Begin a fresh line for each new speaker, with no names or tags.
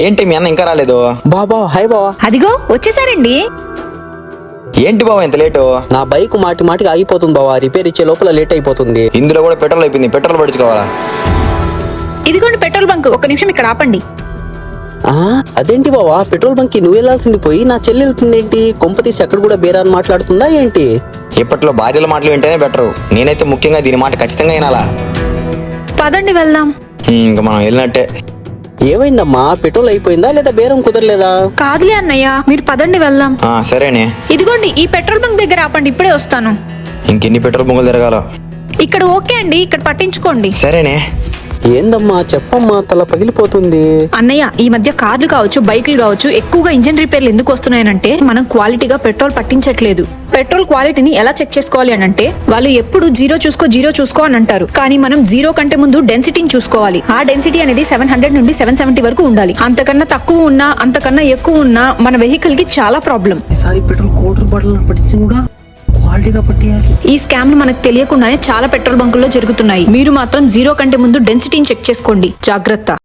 ఏంటి మీ అన్న ఇంకా రాలేదు?
బాబా హాయ్ బావా.
అదిగో వచ్చేసారండి.
ఏంటి బావ ఇంత లేటు?
నా బైక్ మాటి మాటికి ఆగిపోతుంది బావా, రిపేర్ ఇచ్చే లోపల లేట్ అయిపోతుంది.
ఇందులో కూడా పెట్రోల్ అయిపోయింది, పెట్రోల్ పడుచుకోవాలా?
ఇదిగోండి పెట్రోల్ బంక్, ఒక్క నిమిషం ఇక్కడ ఆపండి.
అదేంటి బావా, పెట్రోల్ బంక్ కి నువ్వు వెళ్లాల్సింది పోయి నా చెల్లి వెళ్తుందేంటి? కొంప తీసి అక్కడ కూడా బేరాన్ని మాట్లాడుతుందా ఏంటి?
ఇప్పట్లో భార్యల మాటలు వింటేనే బెటర్. నేనైతే ముఖ్యంగా దీని మాట ఖచ్చితంగా వినాలా.
పదండి వెళ్దాం.
ఇంకా మనం వెళ్ళినట్టే.
ఏమైందమ్మా, పెట్రోల్ అయిపోయిందా లేదా బేరం కుదరలేదా?
కాదులే అన్నయ్య, మీరు పదండి వెళ్దాం.
సరేనే.
ఇదిగోండి ఈ పెట్రోల్ బంక్ దగ్గర ఆపండి, ఇప్పుడే వస్తాను.
ఇంకెన్ని పెట్రోల్ బంకులు తిరగాలో?
ఇక్కడ ఓకే అండి, ఇక్కడ పట్టించుకోండి.
సరేనే.
ఏందమ్మా చెప్పమ్మా, తల పగిలిపోతుంది.
అన్నయ్య, ఈ మధ్య కార్లు కావచ్చు బైకులు కావచ్చు ఎక్కువగా ఇంజన్ రిపేర్లు ఎందుకు వస్తున్నాయనంటే మనం క్వాలిటీగా పెట్రోల్ పట్టించట్లేదు. పెట్రోల్ క్వాలిటీని ఎలా చెక్ చేసుకోవాలి అని అంటే వాళ్ళు ఎప్పుడు జీరో చూసుకో అని అంటారు. కానీ మనం జీరో కంటే ముందు డెన్సిటీని చూసుకోవాలి. ఆ డెన్సిటీ అనేది 700 నుండి 770 వరకు ఉండాలి. అంతకన్నా తక్కువ ఉన్నా అంతకన్నా ఎక్కువ ఉన్నా మన వెహికల్ కి చాలా ప్రాబ్లం.
ఈసారి పెట్రోల్ కోటర్ బాటిల్ పట్టించి కూడా క్వాలిటీగా పట్టియాలి.
ఈ స్కామ్ మనకు తెలియకుండానే చాలా పెట్రోల్ బంకుల్లో జరుగుతున్నాయి. మీరు మాత్రం జీరో కంటే ముందు డెన్సిటీని చెక్ చేసుకోండి, జాగ్రత్త.